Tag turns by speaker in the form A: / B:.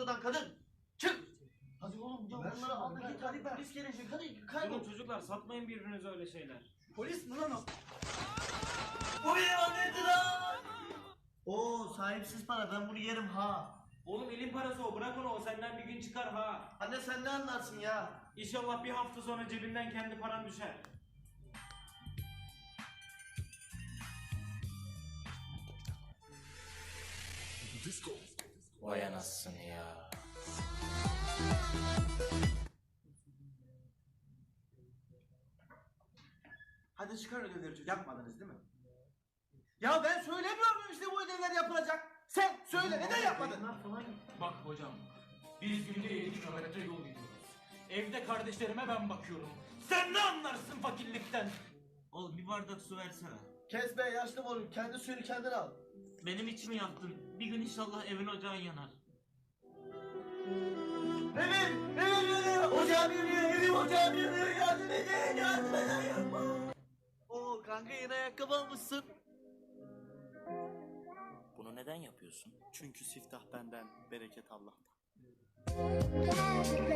A: ortadan kadın. Çık. Hadi oğlum ya bunları al da git hadi polis gelecek hadi kaybol.
B: Durun çocuklar satmayın birbirinize öyle şeyler.
A: Polis mi lan o? Bu bir ihanetti lan. Oo sahipsiz para ben bunu yerim ha.
B: Oğlum elin parası o, bırak onu, o senden bir gün çıkar ha.
A: Anne sen ne anlarsın ya?
B: İnşallah bir hafta sonra cebinden kendi paran düşer. Vay anasını ya.
A: Hadi çıkar ödevleri çocuk. Yapmadınız değil mi? Ya ben söylemiyor muyum işte bu ödevler yapılacak? Sen söyle neden yapmadın?
C: Bak hocam, biz günde 7 kilometre yol gidiyoruz. Evde kardeşlerime ben bakıyorum. Sen ne anlarsın fakirlikten?
B: Oğlum bir bardak su versene.
A: Kes be yaşlı oğlum kendi suyunu kendin al.
B: Benim içimi yaktın. Bir gün inşallah evin ocağın yanar.
A: Evim yanıyor, ocağım yanıyor, evim ocağım yanıyor, yardım edin, yardım edin, yapma. Oo kanka yine ayakkabı almışsın.
D: Bunu neden yapıyorsun? Çünkü siftah benden, bereket Allah'tan.
E: La